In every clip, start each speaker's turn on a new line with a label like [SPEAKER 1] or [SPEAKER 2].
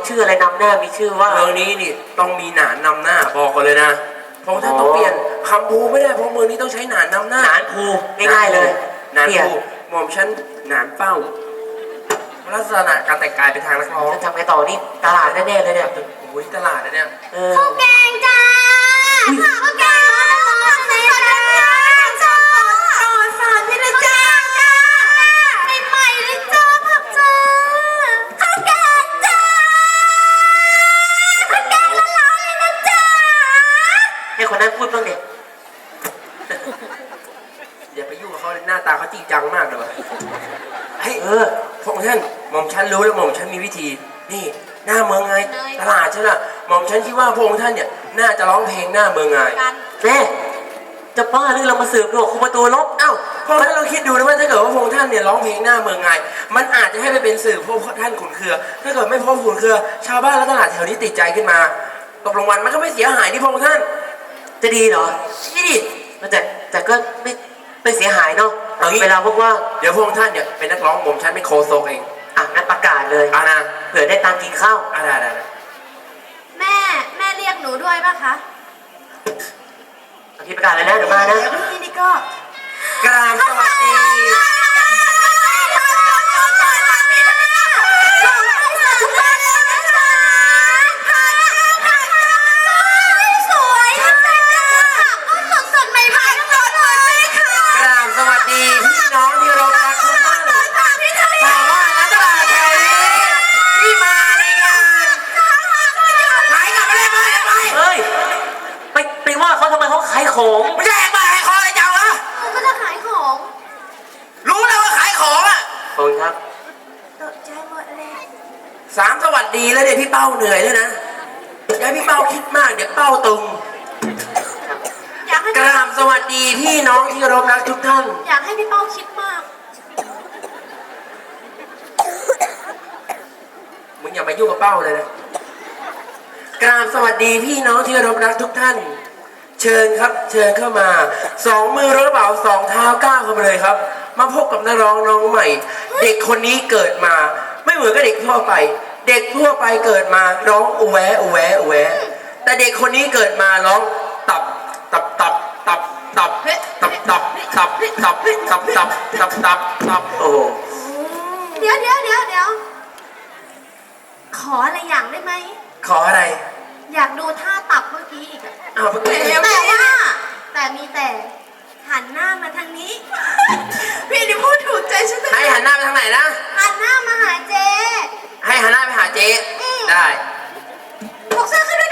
[SPEAKER 1] ชื่ออะไรนำหน้ามีชื่อว่า
[SPEAKER 2] เมืองนี้นี่ต้องมีหนานนำหน้าบอกกันเลยนะพระองค์ท่านต้องเปลี่ยนคำภูไม่ได้เพราะเมืองนี้ต้องใช้หนานนำหน้า
[SPEAKER 1] หนานภูง่ายๆเลย
[SPEAKER 2] หนานภูหม่อมฉันหนานเป้าลักษณะการแต่งกายเป็นทางนักร้อง
[SPEAKER 1] ทำไงต่อนี่ตลาดแน่ๆเลยเนี่ย
[SPEAKER 2] โอ้ยตลาดนะเนี่ย
[SPEAKER 3] ข้าวแกงจ้าข้าวแกงร้อนๆเลยนะจ้าต่อสารนี่เลยจ้าใหม่ๆเลยจ้าผักจ้าข้าวแกงจ้าข้าวแกงร้อนๆเลยนะจ้า
[SPEAKER 1] ให้คนนั้นพูดบ้างเด็ก
[SPEAKER 2] อย่าไปยุ่งกับเขาเลยหน้าตาเขาจริงจังมากเลยวะเฮ้ยพระองค์ท่านหม่อมฉันรู้แล้วหม่อมฉันมีวิธีนี่หน้าเมืองไงตลาดใช่ไหมหม่อมฉันคิดว่าพระองค์ท่านเนี่ยน่าจะร้องเพลงหน้าเมืองไง
[SPEAKER 1] แม่จะบ้าหรือเรามาสืบดูคุมประตูลบ
[SPEAKER 2] เอ้าพระองค์ท่านเราคิดดูนะว่าถ้าเกิดว่าพระองค์ท่านเนี่ยร้องเพลงหน้าเมืองไงมันอาจจะให้ไปเป็นสื่อพระองค์ท่านขุนเคือถ้าเกิดไม่พบขุนเคือชาวบ้านและตลาดแถวนี้ติดใจขึ้นมาตกรางวัลมันก็ไม่เสียหายที่พระองค์ท่าน
[SPEAKER 1] จะดีเหรอ
[SPEAKER 2] ดี
[SPEAKER 1] แต่ก็ไม่เสียหายเนาะเวลาพวกว่า
[SPEAKER 2] เดี๋ยวพระองค์ท่านเนี่ยเป็นนักร้องผมฉันไม่โคโซกเอง
[SPEAKER 1] งั้นประกาศเลย
[SPEAKER 2] นะ
[SPEAKER 1] เผื่อได้ตังกินข้าว
[SPEAKER 2] ได้
[SPEAKER 3] แม่เรียกหนูด้วยป่ะคะ
[SPEAKER 1] พี่ประกาศเลยนะเดี๋ยวมานะ
[SPEAKER 3] พี่นี่ก็
[SPEAKER 2] กราบสวัสดี
[SPEAKER 1] ของ
[SPEAKER 2] ไม่ใช่มาขายของอะไรจังวะ
[SPEAKER 3] ก็จะขายของ
[SPEAKER 2] รู้แล้วว่าขายของอ่ะ
[SPEAKER 1] ขอบคุณครับ
[SPEAKER 3] ตกใจหมดเลย
[SPEAKER 2] 3 สวัสดีแล้วเดี๋ยวพี่เป้าเหนื่อยแล้วนะอย่าพี่เป้าคิดมากเดี๋ยวเป้าตึงกราบสวัสดีพี่น้องที่เคารพรักทุกท่าน
[SPEAKER 3] อยากให้พี่เป้าคิดมาก
[SPEAKER 2] มึงอย่ามายุ่งกับเป้าเลยนะกราบสวัสดีพี่น้องที่เคารพรักทุกท่านเชิญครับเชิญเข้ามา2 มือรถกระเป๋า2 เท้าก้าวเข้ามาเลยครับมาพบกับนักร้องน้องใหม่เด็กคนนี้เกิดมาไม่เหมือนกับเด็กทั่วไปเด็กทั่วไปเกิดมาร้องอูแวอูแวอูแวแต่เด็กคนนี้เกิดมาร้องตับตับตับตับตับตับตับตับตับตับตับตับตับตับโอ้
[SPEAKER 3] เดี๋ยวขออะไรอย่างได้ไหม
[SPEAKER 2] ขออะไร
[SPEAKER 3] อยากดูท่าตับเมื่อกี้อีกอะแต่มีแต่หันหน้ามาทางนี้พี่นี่พูดถูกใจฉัน
[SPEAKER 2] ให้หันหน้าไปทางไหนนะ
[SPEAKER 3] หันหน้ามาหาเจ๊
[SPEAKER 2] ให้หันหน้าไปหาเจ๊ได้
[SPEAKER 3] ถกเสื้อขึ้นด้วย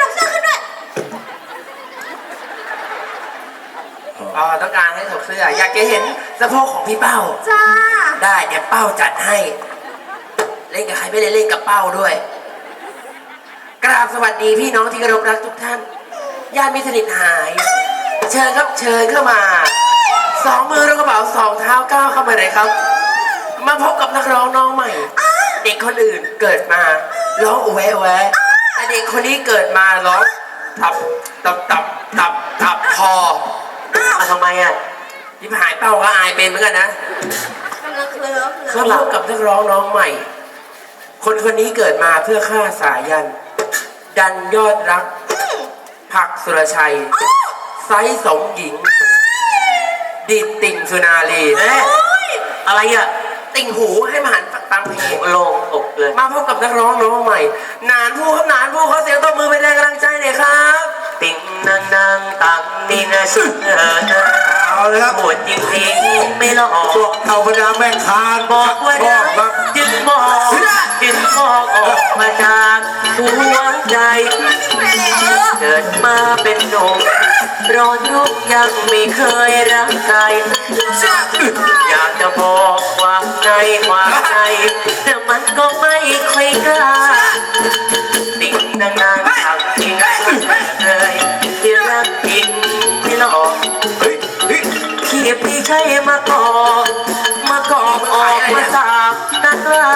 [SPEAKER 2] ต้องการให้ถกเสื้ออยากจะเห็นสะโพกของพี่เป้า
[SPEAKER 3] จ้า
[SPEAKER 2] ได้เดี๋ยวเป้าจัดให้เล่นกับใครไม่ได้เล่นกับเป้าด้วยกราบสวัสดีพี่น้องที่เคารพรักทุกท่านญาติมิตรสนิทหายเชิญครับเชิญเข้ามา2 มือรถกระเป๋า2 เท้าก้าวเข้ามาเลยครับมาพบกับนักร้องน้องใหม่เด็กคนอื่นเกิดมาร้องแวะแวะแต่เด็กคนนี้เกิดมาร้องตับตับตับตับตับพอ
[SPEAKER 1] ทำไมอ่ะ
[SPEAKER 2] ที่หายเป้าก็อายเป็นเหมือนกันนะเขาพบกับนักร้องน้องใหม่คนนี้เกิดมาเพื่อฆ่าสายันดันยอดรักผักสุรชัยไซสมหญิงดิดติ่งสุนารี
[SPEAKER 1] อะไรอ่ะ
[SPEAKER 2] ติ่งหูให้มาหันฟังเพลง
[SPEAKER 1] โลงอกเลย
[SPEAKER 2] มาพบกับนักร้องน้องใหม่นานผู้ครับนานผู้เขาเสียงตบมือเป็นแรงกำลังใจหน่อยครับ
[SPEAKER 1] ติ่งนางตังนี่นะชื่อ
[SPEAKER 4] เอาเลยครับ
[SPEAKER 1] ปวดจริงๆไม่หลอก
[SPEAKER 4] พวกเอาพดาแม่คาน
[SPEAKER 1] บอกว่ารักจึงมองออกมาจากหัวใจเกิดมาเป็นหนุ่มร้อนรุ่งยังไม่เคยรักใครอยากจะบอกความในแต่มันก็ไม่ค่อยกล้าติ่งนางทำจริงเลยที่รักจริงไม่หลอกที่พี่ใช้มากอกออกมาสาบนักล่า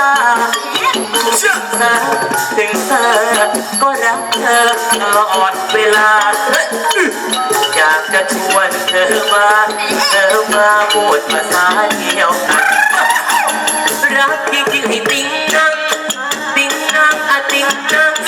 [SPEAKER 1] ถึงเธอก็รักเธอตลอดเวลาอยากจะชวนเธอมาพูดภาษาเดียวกันรักจริงๆให้ติ่งนางอะติ่งนาง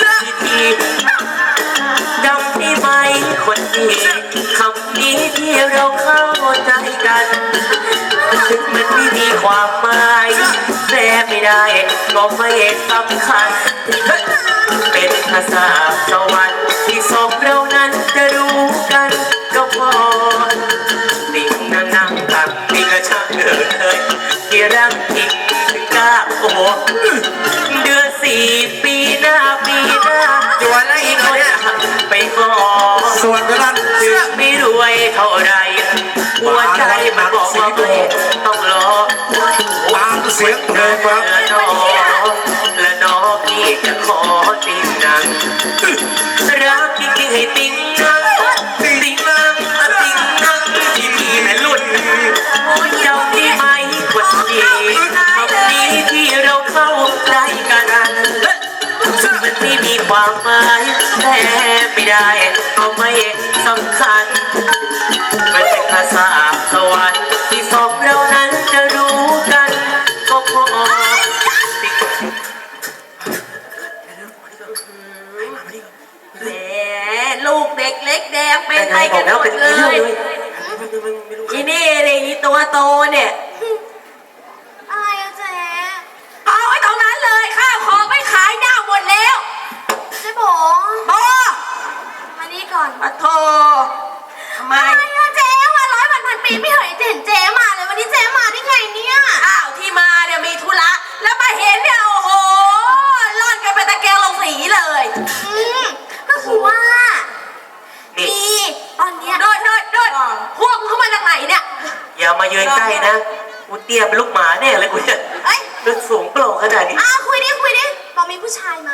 [SPEAKER 1] ดีที่เราเข้าใจกันถึงมันไม่มีความหมายแต่ไม่ได้ก็ไม่สำคัญเป็นภาษาสวรรค์ที่สองเรานั้นจะรู้กันก็พอดิ่งนั่งตักนี่ก็ช่างเกิดเลยที่รักจริงถึงกล้าโอ้โหเดือน4 ปีหน้า
[SPEAKER 2] จวนแล้วอีกคนเนี่ย
[SPEAKER 1] ไปขอ
[SPEAKER 4] ส่วนกระนั้น
[SPEAKER 1] ถึงไม่รวยเท่าไรหัวใจมันบอกว่าไม่ต้องรอ
[SPEAKER 4] ตามเสียงเพลงครับ
[SPEAKER 1] และน้องที่จะขอติงนังรักจริงๆให้ติงนังติงนังติงนังที่มีแม่ลุ่นเจ้าที่ไม่กดดีทำดีที่เราเข้าใจกันมันไม่มีความหมายแต่ไม่ได้ก็ไม่สำคัญมันเป็นภาษาสวรรค์ที่สองเรานั้นจะรู้กันก็พอ
[SPEAKER 3] แหมลูกเด็กเล็กแดงเป็นไปกันหมดเลย อีนี่เลยอีตัวโตเนี่ย
[SPEAKER 5] อะไรอะเจ๊
[SPEAKER 3] เอาไว้ตรงนั้นเลยข้าวของไม่ขายหน้าหมดแล้ว
[SPEAKER 5] เจ๊โบ
[SPEAKER 3] โต
[SPEAKER 5] มานี่ก่อน
[SPEAKER 3] ปะโททำไม
[SPEAKER 5] อะไรอะเจ๊วัน100 วันปีไม่เคยเห็นเจ๊มาเลยวันนี้เจ๊มาได้ไงเนี่ย
[SPEAKER 3] อ้าวที่มาเนี่ยมีธุระแล้วมาเห็นเนี่ยโอ้โหร่อนกันเป็นตะแกรงลงสีเลย
[SPEAKER 5] ก็คือว่า
[SPEAKER 1] นี่
[SPEAKER 5] มีตอนเนี้ย
[SPEAKER 3] โดดพวกมึงเข้ามาจากไหนเนี่ย
[SPEAKER 1] อย่ามายืนใกล้นะกูเตี้ยเป็นลูกหมาแน่เลยกูเนี่ย
[SPEAKER 5] เอ้ย
[SPEAKER 1] ลึกสูงโปร่งขนาดนี้
[SPEAKER 5] คุยดิบอกมีผู้ชายมา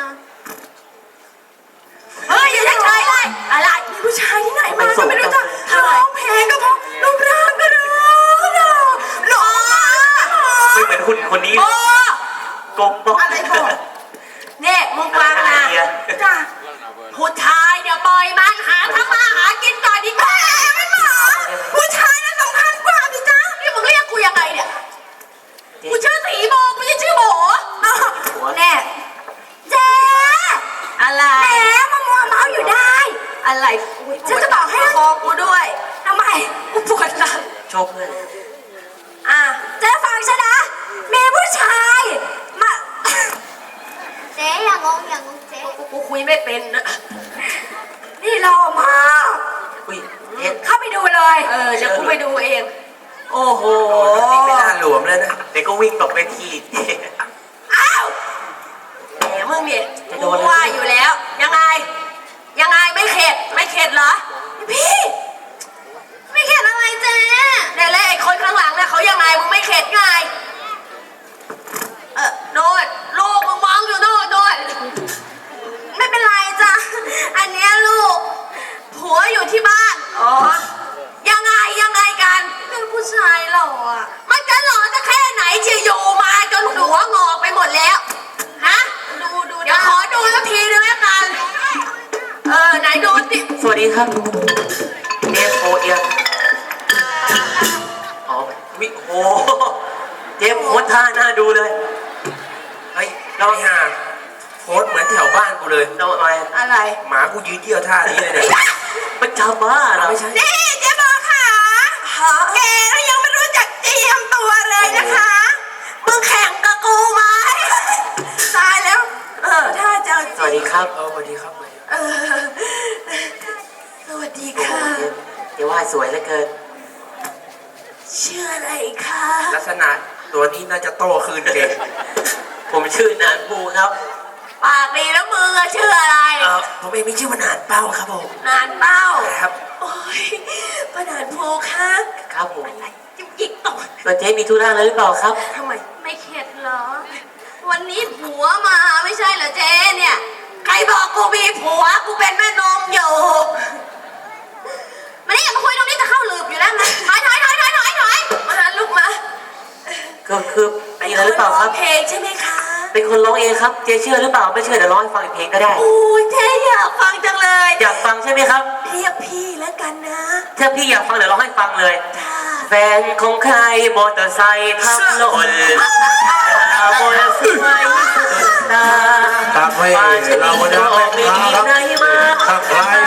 [SPEAKER 3] เฮ้ยอย่าใช้เลยอะไรมีผู้ชายที่ไหนมาก็ไม่รู้จักร้องเพลงก็พอรูปร่างก็ร้องหล่อ
[SPEAKER 1] ไม่เหมือนคุณคนนี้
[SPEAKER 3] โอ้
[SPEAKER 1] กลมบอก
[SPEAKER 3] อะไรพอเนี่ยมึงฟังนะ
[SPEAKER 1] อะไรอ่ะ
[SPEAKER 3] จ้ะผู้ชายเนี่ยปล่อยมันหาทำมาหากินก่อนดีกว่าไม่หมอผู้ชายนั้นสำคัญกว่าสิจ๊ะนี่มึงเรียกกูยังไงเนี่ยกูชื่อสีโบกูจะชื่อโบแน่เจ๊อะไรแหมมามัวเมาอยู่ได้อะไรฉันจะบอกให้คอกูด้วยทำไมกูปวดหลัง
[SPEAKER 1] โชคเพื่อน
[SPEAKER 3] เจ๊ฟังฉันนะมีผู้ชายมา
[SPEAKER 5] เจ๊อย่างงเจ๊
[SPEAKER 3] กูคุยไม่เป็นนะนี่รอมา
[SPEAKER 1] อุ้ยเอ็ด
[SPEAKER 3] เข้าไปดูเลย เดี๋ยวกูไปดูเอง โอ้โห
[SPEAKER 2] นี่ไม่น่าหลวมเลยนะ
[SPEAKER 1] เด็กก็วิ่งตกเวที
[SPEAKER 3] อ้าวแหมมึงเนี่ยกูว่าอยู่แล้ว ยังไงไม่เข็ดเหรอ พี่
[SPEAKER 5] ไม่เขียนอะไรเจ๊
[SPEAKER 3] เนี่ยแล้วไอ้คนข้างหลังเนี่ยเขายังไงมึงไม่เข็ดไงโน่นลูกมึงมองอยู่โน่น
[SPEAKER 5] ไม่เป็นไรจ้ะอันเนี้ยลูก
[SPEAKER 3] ผัวอยู่ที่บ้านอ๋อยังไงกัน
[SPEAKER 5] เป็นผู้ชายหล่ออะ
[SPEAKER 3] มันจะหล่อจะแค่ไหนเชียวอยู่มาจนหัวงอกไปหมดแล้วฮะดูเดี๋ยวขอดูสักทีนึงแล้วกันไหนดูสิ
[SPEAKER 1] สวัสดีครับเจฟโอเอียมอ๋อวิโอเจฟโคตรท่าน่าดูเลย
[SPEAKER 2] เฮ้ยเราห่าโพสเหมือนแถวบ้านกูเลย
[SPEAKER 1] เราอะไร
[SPEAKER 3] อะไร
[SPEAKER 2] หมากูยืนเที่ยวท่านี้เลยเนี่ย
[SPEAKER 1] มันจะบ้าเหรอ
[SPEAKER 2] ไม่ใช่
[SPEAKER 3] นี่เจ๊บอกค่ะแกก็ยังไม่รู้จักเตรียมตัวเลยนะคะมึงแข่งกับกูไหมตายแล้วถ้าจะ
[SPEAKER 1] สวัสดีครับ
[SPEAKER 2] สวัสดีครับ
[SPEAKER 3] สวัสดี
[SPEAKER 1] โอ้โห
[SPEAKER 3] ค่ะ
[SPEAKER 1] เดี๋ยวว่าสวยเหลือเกิน
[SPEAKER 3] ชื่ออะไรคะ
[SPEAKER 2] ลักษณะตัวนี้น่าจะโตคืนเก่ง
[SPEAKER 1] ผมชื่อนานภูครับ
[SPEAKER 3] ปากดีแล้วมึงอะชื่ออะไร
[SPEAKER 2] ผมเองมีชื่อว่าหนานเป้าครับผม
[SPEAKER 3] นานเป้า
[SPEAKER 2] ครับ
[SPEAKER 3] โอ้ยประดานภูคะ
[SPEAKER 1] ครับผม
[SPEAKER 3] อะไรจิ๊บจิ๊กต่อ
[SPEAKER 1] ตัวเจ๊มีธุระอะไรหรือเปล่าครับ
[SPEAKER 3] ทำไม
[SPEAKER 5] ไม่เข็ดเหรอ วันนี้ผัวมาไม่ใช่เหรอเจ๊เนี่ย
[SPEAKER 3] ใครบอกกูมีผัวกูเป็นแม่นมอยู่
[SPEAKER 5] มานี่อย่ามาคุยตรงนี้จะเข้าหลืบอยู่แล้วนะถอย
[SPEAKER 3] มาลูกมา
[SPEAKER 1] ก็คือมีอะไรหรือเปล่าครับ
[SPEAKER 3] เพลงใช่ไหมคะ
[SPEAKER 1] เป็นคนร้องเองครับ เจ๊เชื่อหรือเปล่า ไม่เชื่อเดี๋ยวร้องให้ฟังอีกเพลงก็ได้
[SPEAKER 3] โอ้ยเจ๊อยากฟังจังเลย
[SPEAKER 1] อยากฟังใช่ไหมครับ
[SPEAKER 3] เรียกพี่แล้วกันนะ
[SPEAKER 1] ถ้าพี่อยากฟังเดี๋ยวร้องให้ฟังเลย
[SPEAKER 3] ค่ะ
[SPEAKER 1] แฟนของใครมอเตอร์ไซค์ทับหล่นมอเตอร์ไซค์สุดตา
[SPEAKER 4] ตามให้เราบรรดาแม่ค้าครับทักทาย